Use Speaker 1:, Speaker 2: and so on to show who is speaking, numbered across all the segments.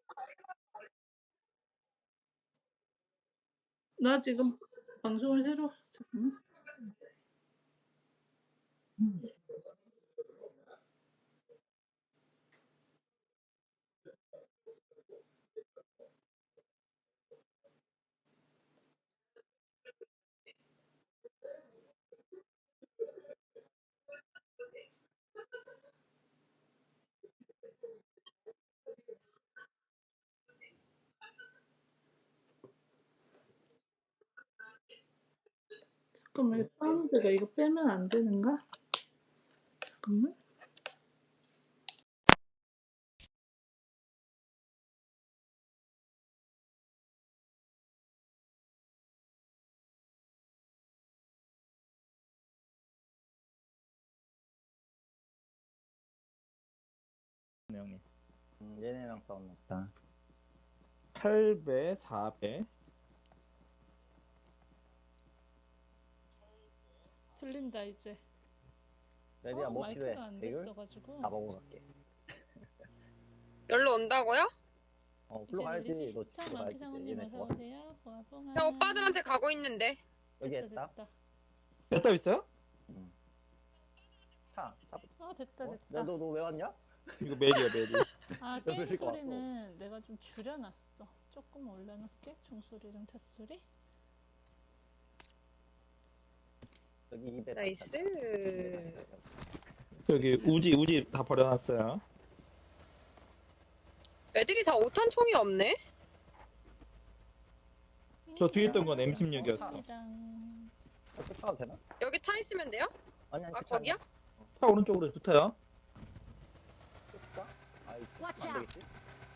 Speaker 1: 나 지금 방송을 새로 잠깐만. 잠깐만, 이거 사운드가 이거 빼면 안 되는가? 잠깐만.
Speaker 2: 형님.
Speaker 3: 얘네랑 싸웠다.
Speaker 2: 8배, 4배.
Speaker 1: 들린다 이제.
Speaker 3: 레디야 뭐 필요해?
Speaker 1: 마이크가 안
Speaker 3: 배율?
Speaker 1: 됐어가지고.
Speaker 3: 다 먹으러 갈게.
Speaker 4: 열로 온다고요?
Speaker 3: 불러 가야지. 너
Speaker 1: 시청
Speaker 3: 집으로 가야지.
Speaker 1: 만피상님
Speaker 3: 얘네
Speaker 1: 어서
Speaker 3: 잡았어.
Speaker 1: 오세요. 뽕아.
Speaker 4: 형 오빠들한테 가고 있는데.
Speaker 3: 여기 했다.
Speaker 2: 몇답 있어요?
Speaker 3: 차.
Speaker 1: 됐다.
Speaker 3: 너 왜 왔냐?
Speaker 2: 이거 메리야, 메리.
Speaker 1: 아,
Speaker 3: 너
Speaker 1: 게임
Speaker 3: 그러니까 왔어.
Speaker 1: 소리는 내가 좀 줄여놨어. 조금 올려놓을게. 종소리랑 찻소리.
Speaker 3: 여기 입에.
Speaker 4: 나이스.
Speaker 2: 여기 우지 다 버려놨어요.
Speaker 4: 애들이 다 5탄 총이 없네?
Speaker 2: 저 뒤에 있던 건 M16이었어.
Speaker 3: 타도 되나?
Speaker 4: 여기 타 있으면 돼요?
Speaker 3: 아니
Speaker 4: 아, 거기야?
Speaker 2: 차 오른쪽으로 붙어요.
Speaker 3: 쫓을까? 아이,
Speaker 5: Watch
Speaker 3: 안 되겠지?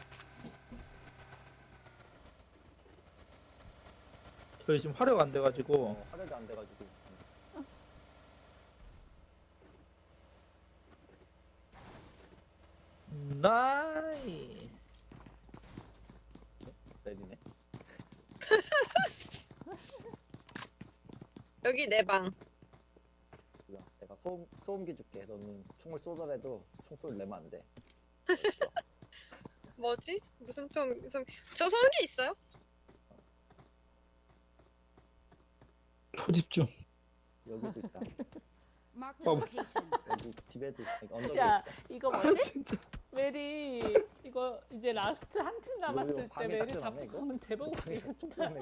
Speaker 2: 저희 지금 화력 안 돼가지고.
Speaker 3: 화력이 안 돼가지고.
Speaker 2: 나이스.
Speaker 3: 내리네.
Speaker 4: 여기 내 방.
Speaker 3: 몰라. 내가 소음기 줄게. 너는 총을 쏘더라도 총소리 내면 안 돼.
Speaker 4: 뭐지? 무슨 총, 저 소음기 있어요?
Speaker 2: 초집중.
Speaker 3: 여기도 있다.
Speaker 5: Marked a location.
Speaker 3: 여기 집에도 있다. 여기 언덕에
Speaker 1: 야,
Speaker 3: 있다.
Speaker 1: 이거
Speaker 2: 아,
Speaker 1: 뭐지?
Speaker 2: 진짜.
Speaker 1: 메리, 이거 이제 라스트 한 팀 남았을 때
Speaker 3: 방에
Speaker 1: 메리
Speaker 3: 닦여놨네,
Speaker 1: 잡고
Speaker 3: 이거?
Speaker 1: 가면 대박이겠다.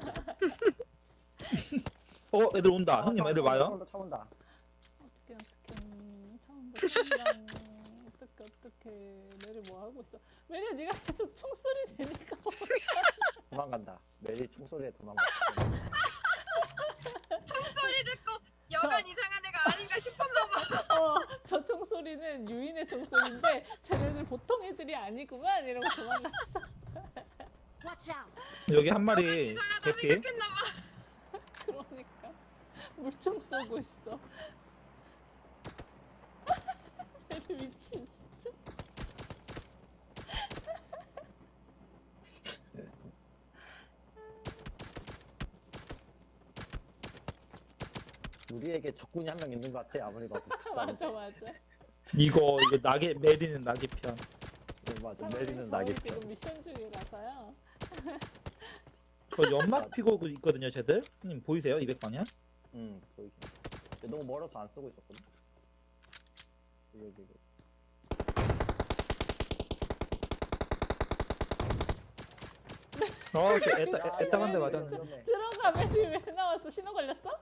Speaker 2: 애들 온다. 형님, 애들 와요.
Speaker 3: 차 온다.
Speaker 1: 어떡해. 처음 봐. 어떡해. 메리 뭐 하고 있어? 메리야, 네가 계속 총소리 내니까.
Speaker 3: 도망간다. 매일 총소리에 도망간다.
Speaker 4: 총소리 듣고 여간 이상한 애가 아닌가 싶었나봐.
Speaker 1: 저 총소리는 유인의 총소리인데 쟤네들 보통 애들이 아니구만 이러고 도망갔어.
Speaker 5: Watch out.
Speaker 2: 여기 한 마리
Speaker 4: 이상하다
Speaker 2: 개피.
Speaker 4: 생각했나봐.
Speaker 1: 그러니까 물총 쏘고 있어. 애들 미친 진짜.
Speaker 3: 우리에게 적군이 한 명 있는 것 같아. 아무리 봐도.
Speaker 1: 맞아.
Speaker 2: 이거 메리는 낙의 편.
Speaker 3: 맞아. 내리는 낙이.
Speaker 1: 지금 미션 중이라서요.
Speaker 2: 저 연막 피고 있거든요, 쟤들. 형님 보이세요? 200방향?
Speaker 3: 응, 보이긴. 근데 너무 멀어서 안 쓰고 있었거든. 여기.
Speaker 2: 애따간데 맞았네.
Speaker 3: 위험해.
Speaker 1: 들어가 메리 왜 나왔어? 신호 걸렸어?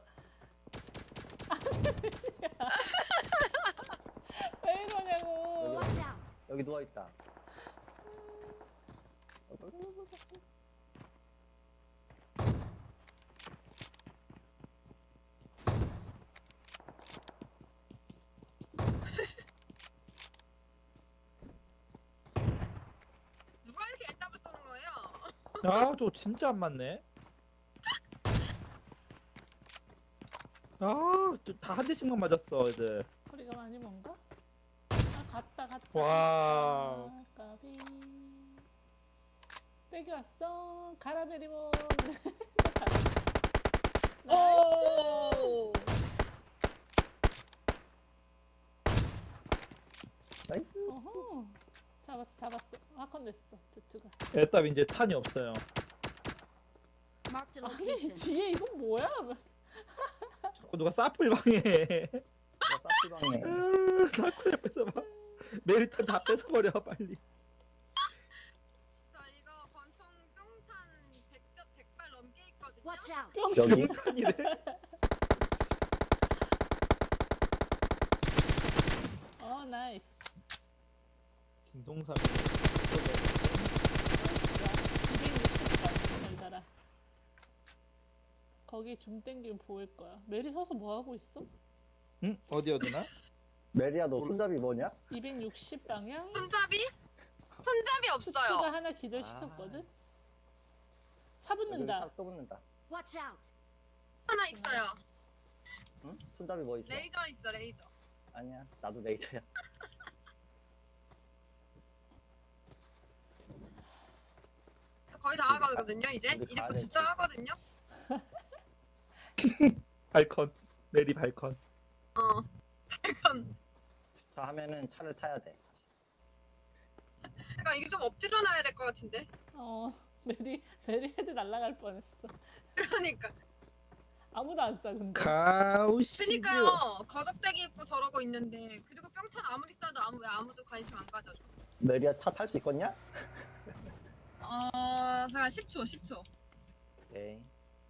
Speaker 1: 왜 이러냐고.
Speaker 5: Watch out.
Speaker 3: 여기 누워 있다.
Speaker 4: 누가 이렇게 애답을 쏘는 거예요?
Speaker 2: 아, 저 진짜 안 맞네. 아, 다 한 대씩만 맞았어, 애들.
Speaker 1: 거리가 많이 먼가? 갔다.
Speaker 2: 와우.
Speaker 1: 까비. 빼기 왔어. 가라 베리몬.
Speaker 4: 오.
Speaker 3: 나이스.
Speaker 1: 어허. 잡았어. 아컨 냈어. 드트가.
Speaker 2: 애답 이제 탄이 없어요.
Speaker 5: Marked a
Speaker 1: 아니
Speaker 5: location.
Speaker 1: 뒤에 이건 뭐야?
Speaker 2: 자꾸 누가 사플 방해.
Speaker 3: 내가 사피방에
Speaker 2: 사플 옆에서 막 메리탄 다 뺏어버려 빨리.
Speaker 4: 저 이거 권총 뿅탄 100발 넘게 있거든요.
Speaker 5: Watch out.
Speaker 3: 여기
Speaker 2: 탄이래.
Speaker 1: 나이스.
Speaker 2: 김동삼이
Speaker 1: 260발 잘 달아. 거기 줌 땡기면 보일 거야. 메리 서서 뭐 하고 있어?
Speaker 2: 응? 어디였나?
Speaker 3: 메리야 너 손잡이 뭐냐?
Speaker 1: 260 방향.
Speaker 4: 손잡이? 손잡이
Speaker 1: 슈트가
Speaker 4: 없어요.
Speaker 1: 하나 기절시켰거든. 차
Speaker 3: 여기
Speaker 1: 붙는다.
Speaker 3: 또 붙는다.
Speaker 5: Watch out.
Speaker 4: 하나 있어요.
Speaker 3: 응? 손잡이 뭐 있어?
Speaker 4: 레이저 있어, 레이저.
Speaker 3: 아니야 나도 레이저야.
Speaker 4: 거의 다 하거든요, 이제.
Speaker 3: 우리
Speaker 4: 이제
Speaker 3: 가야
Speaker 4: 곧
Speaker 3: 돼.
Speaker 4: 주차하거든요.
Speaker 2: 발컨. 메리 발컨.
Speaker 4: 어. 이건,
Speaker 3: 주차하면은 차를 타야 돼.
Speaker 4: 그러니까 이게 좀 엎드려 놔야 될 것 같은데.
Speaker 1: 메리 헤드 날아갈 뻔했어.
Speaker 4: 그러니까.
Speaker 1: 아무도 안 쏴, 근데.
Speaker 2: 가우시즈.
Speaker 4: 그니까요. 거적대기 입고 저러고 있는데. 그리고 뿅탄 아무리 쏴도 왜 아무도 관심 안 가져줘.
Speaker 3: 메리야 차 탈 수 있겠냐?
Speaker 4: 잠깐 10초.
Speaker 3: 오케이.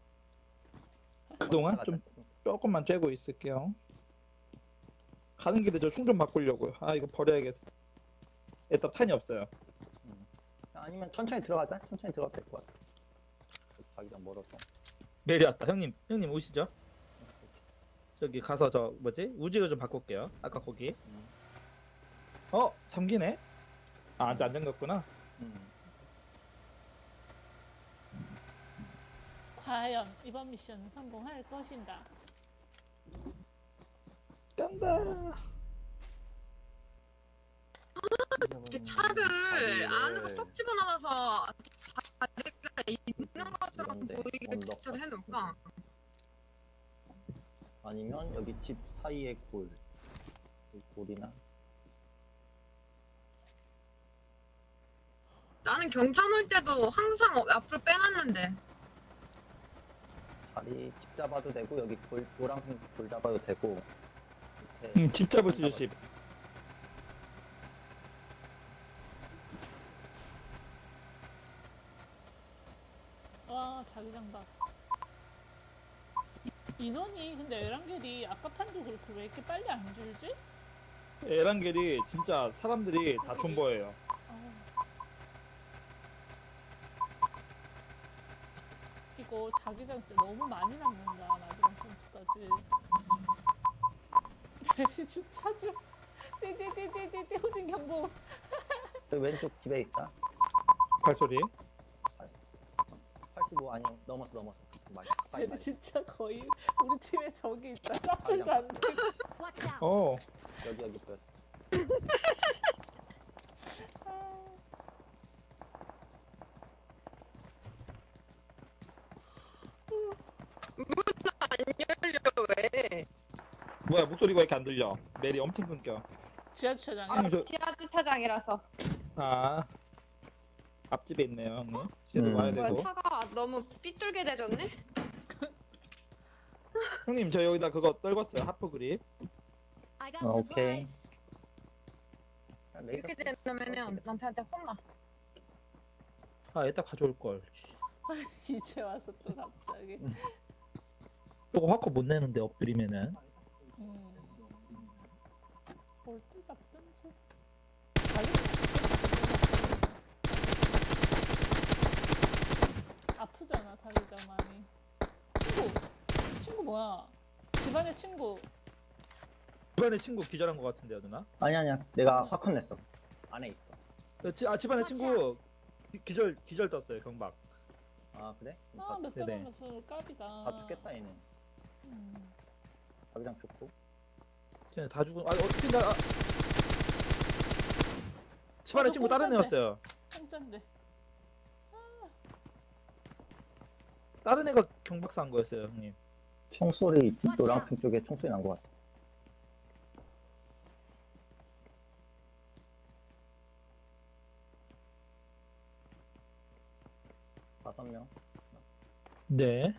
Speaker 2: 그동안 좀 조금만 쬐고 있을게요. 가는 길에 저 총 좀 바꾸려고요. 아 이거 버려야겠어. 애답 탄이 없어요.
Speaker 3: 아니면 천천히 들어가자. 천천히 들어가도 될 것 같아. 자기장 멀어서.
Speaker 2: 메리 왔다. 형님 오시죠. 저기 가서 저 뭐지? 우지로 좀 바꿀게요. 아까 거기. 잠기네? 아직 안 잠겼구나.
Speaker 1: 과연 이번 미션은 성공할 것인가?
Speaker 2: 깐다.
Speaker 4: 이렇게 차를 안으로 쏙 집어넣어서 자리가 있는 것처럼
Speaker 3: 이런데,
Speaker 4: 보이게
Speaker 3: 언덕
Speaker 4: 주차를 해놓을까?
Speaker 3: 아니면 여기 집 사이에 골. 이 골이나.
Speaker 4: 나는 경찰 올 때도 항상 앞으로 빼놨는데.
Speaker 3: 자리 집 잡아도 되고 여기 골 노란색 골 잡아도 되고. 밑에
Speaker 2: 집 잡을 수 있어 집.
Speaker 1: 와, 자기장 봐. 인원이 근데 에란겔이 아까 판도 그렇고 왜 이렇게 빨리 안 줄지?
Speaker 2: 에란겔이 진짜 사람들이 다 존버예요.
Speaker 1: 어. 이거 자기장 때 너무 많이 남는다. 마지막 선수까지. 메리 주차 좀. 띠띠띠띠띠 호진 경보.
Speaker 3: 저 왼쪽 집에 있다.
Speaker 2: 발소리.
Speaker 3: 85 아니 넘었어. 빨리.
Speaker 1: 메리 진짜 거의 우리 팀에 적이 있다. 사플도 안 돼.
Speaker 5: Watch out.
Speaker 3: 여기 보였어.
Speaker 4: 열려 왜?
Speaker 2: 뭐야 목소리가 왜 이렇게 안 들려? 메리 엄청 끊겨.
Speaker 1: 지하 주차장에.
Speaker 2: 아, 저-
Speaker 4: 지하 주차장이라서.
Speaker 2: 아 앞집에 있네요 형님. 뒤에도 와야
Speaker 4: 뭐야
Speaker 2: 되고.
Speaker 4: 차가 너무 삐뚤게 되졌네?
Speaker 2: 형님 저 여기다 그거 떨궜어요. 하프 그립.
Speaker 5: I got
Speaker 3: Okay.
Speaker 5: supplies.
Speaker 4: 이렇게 되면은 남편한테 혼나.
Speaker 2: 아 이따 가져올 걸.
Speaker 1: 이제 와서 또 갑자기.
Speaker 2: 이거 화코 못 내는데 엎드리면은.
Speaker 1: 볼때 잡든지. 아프잖아 자기장 많이. 친구 뭐야? 집안의 친구.
Speaker 2: 집안에 친구 기절한 것 같은데요 누나?
Speaker 3: 아니야. 내가 화컨 냈어. 안에 있어.
Speaker 2: 집안에 친구 기절 떴어요 경박.
Speaker 3: 아 그래?
Speaker 1: 아 몇 대
Speaker 2: 네네.
Speaker 1: 가면서 까비다.
Speaker 3: 다 죽겠다 얘는.
Speaker 1: 음.
Speaker 3: 자기장 좋고.
Speaker 2: 쟤네 다 죽은. 어떻게 나? 집안에 친구 다른 애였어요.
Speaker 1: 한잔데.
Speaker 2: 다른 애가 경박사 한 거였어요 형님.
Speaker 3: 총소리 노랑핑 쪽에 총소리 난 것 같아. 5명.
Speaker 2: 네.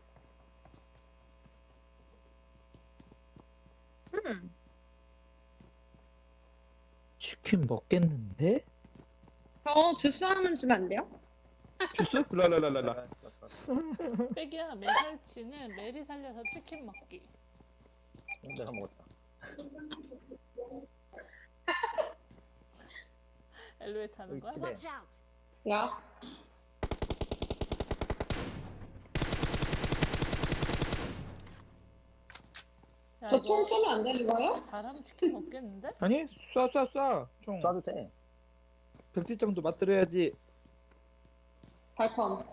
Speaker 2: 치킨 먹겠는데?
Speaker 4: 저 주스 하나만 주면 안 돼요?
Speaker 2: 주스? 랄랄랄랄라.
Speaker 1: 빼기야, 메살치는 메리 살려서 치킨 먹기.
Speaker 3: 내가 먹었다.
Speaker 1: 엘로에 타는 거야?
Speaker 3: 여기 집에.
Speaker 5: Watch out.
Speaker 4: 야.
Speaker 1: 야,
Speaker 4: 저
Speaker 1: 이거
Speaker 4: 총 쏘면 안 되는 거예요?
Speaker 1: 잘하면 치킨 먹겠는데?
Speaker 2: 아니, 쏴. 총.
Speaker 3: 쏴도 돼.
Speaker 2: 백지장도 맞들어야지.
Speaker 4: 발컴.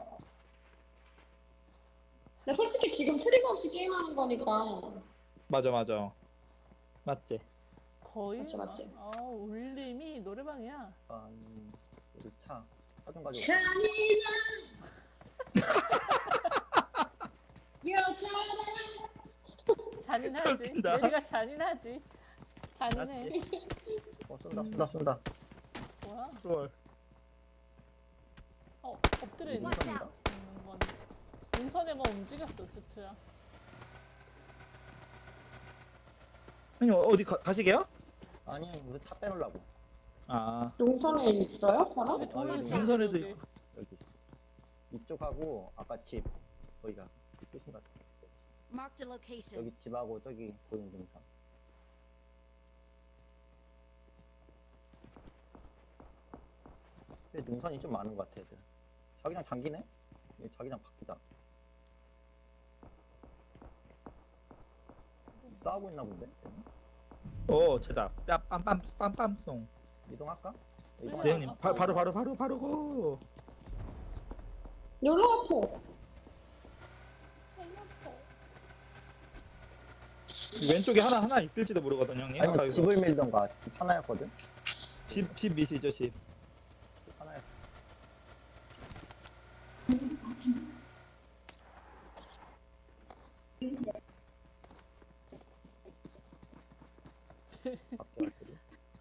Speaker 4: 근데 솔직히 지금 트리거 없이 게임하는 거니까.
Speaker 2: 맞아. 맞지?
Speaker 1: 거의
Speaker 4: 맞지.
Speaker 1: 울림이 노래방이야.
Speaker 3: 아, 우리 차 좀 가지고.
Speaker 1: 잔인하지.
Speaker 2: 웃긴다.
Speaker 1: 메리가 잔인하지. 잔인해.
Speaker 3: 맞지? 쏜다.
Speaker 1: 뭐야?
Speaker 2: 롤.
Speaker 1: 엎드려 있는
Speaker 5: Watch out.
Speaker 1: 건. 인선에만 움직였어, 스트야.
Speaker 2: 아니, 어디 가시게요?
Speaker 3: 아니, 우리 차 빼놓으려고.
Speaker 2: 아,
Speaker 4: 농선에 있어요? 사람?
Speaker 1: 여기 돌을
Speaker 3: 여기
Speaker 1: 세워,
Speaker 2: 인선에도
Speaker 1: 여기.
Speaker 2: 있고.
Speaker 3: 여기 있어. 이쪽하고 아까 집 거기가 끝인 것 같아.
Speaker 5: Marked a location.
Speaker 3: 여기 집하고 저기 보이는 등산. 근데 능선이 좀 많은 것 같아, 애들. 자기장 잠기네? 여기 자기장 바뀌다. 싸우고 있나 본데?
Speaker 2: 쟤다. 빰빰송.
Speaker 3: 이동할까?
Speaker 1: 네,
Speaker 2: 네, 형님. 바로 고.
Speaker 4: 놀러 와포.
Speaker 2: 왼쪽에 하나 있을지도 모르거든요, 형님. 아까
Speaker 3: 아니,
Speaker 2: 이거.
Speaker 3: 집을 밀던가. 집 하나였거든?
Speaker 2: 집 미시죠, 집.
Speaker 3: 집 하나였어. 밖에 왔더니.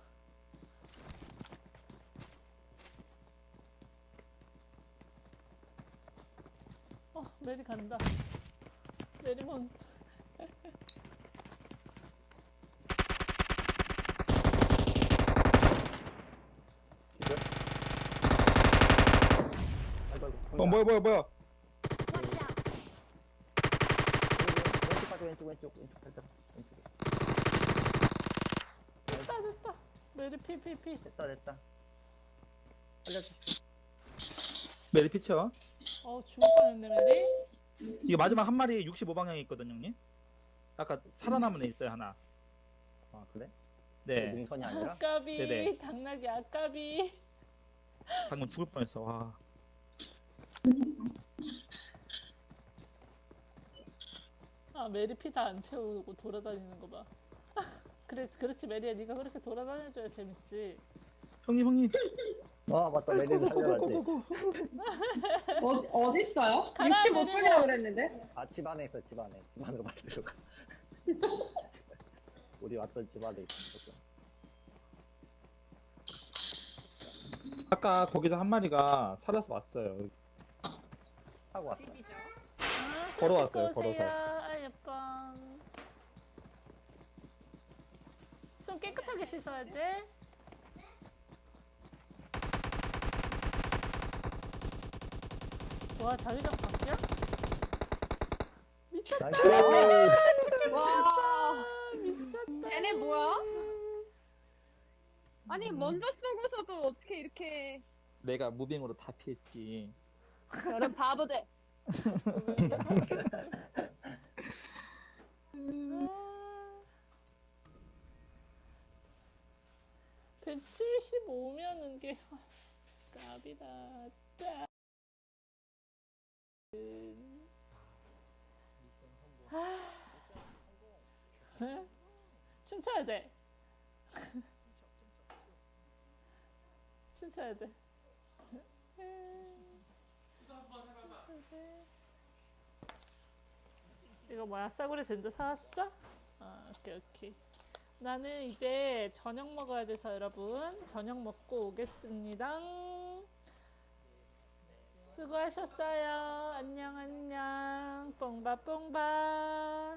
Speaker 1: 메리 간다. 메리몬.
Speaker 3: 기절? 아이고,
Speaker 2: 뭐야.
Speaker 5: Watch out.
Speaker 3: 왼쪽 가자, 왼쪽 살짝. 왼쪽에.
Speaker 1: 됐다. 메리 피.
Speaker 3: 됐다. 살려주시오.
Speaker 2: 메리 피쳐.
Speaker 1: 죽을 뻔했네, 메리.
Speaker 2: 이거 마지막 한 마리 65방향에 있거든요, 형님. 아까 살아남은 애 있어요, 하나.
Speaker 3: 아, 그래?
Speaker 2: 네.
Speaker 3: 능선이 아니라?
Speaker 1: 아까비.
Speaker 2: 네네.
Speaker 1: 당나귀 아까비.
Speaker 2: 방금 죽을 뻔했어, 와.
Speaker 1: 메리 피 다 안 채우고 돌아다니는 거 봐. 그렇지, 메리야. 네가 그렇게 돌아다녀줘야 재밌지.
Speaker 2: 형님.
Speaker 3: 맞다. 메리를 살려놨지.
Speaker 4: 어딨어요?
Speaker 1: 가라,
Speaker 4: 65쪽이라고 그랬는데.
Speaker 3: 아, 집 안에 있어, 집 안에. 집 안으로 만들어가. 우리 왔던 집 안에 있어.
Speaker 2: 아까 거기서 한 마리가 살아서 왔어요.
Speaker 3: 타고 왔어.
Speaker 4: 집이죠.
Speaker 2: 걸어왔어요,
Speaker 1: 손 씻고
Speaker 2: 걸어서.
Speaker 1: 오세요. 아, 예뻐. 손 깨끗하게 씻어야지. 와, 자기장 바뀌야? 미쳤다.
Speaker 3: 나이스!
Speaker 4: 와.
Speaker 1: 미쳤다.
Speaker 4: 쟤네 뭐야? 아니 먼저 쏘고서도 어떻게 이렇게
Speaker 2: 내가 무빙으로 다 피했지.
Speaker 4: 저런 바보들.
Speaker 1: 175면은 게 깝이다. 춤춰야 돼. 춤춰야 돼. 이거 뭐야? 싸구려 젠자 사왔어? 오케이. 나는 이제 저녁 먹어야 돼서 여러분 저녁 먹고 오겠습니다. 수고하셨어요. 안녕, 안녕. 뽕바, 뽕바.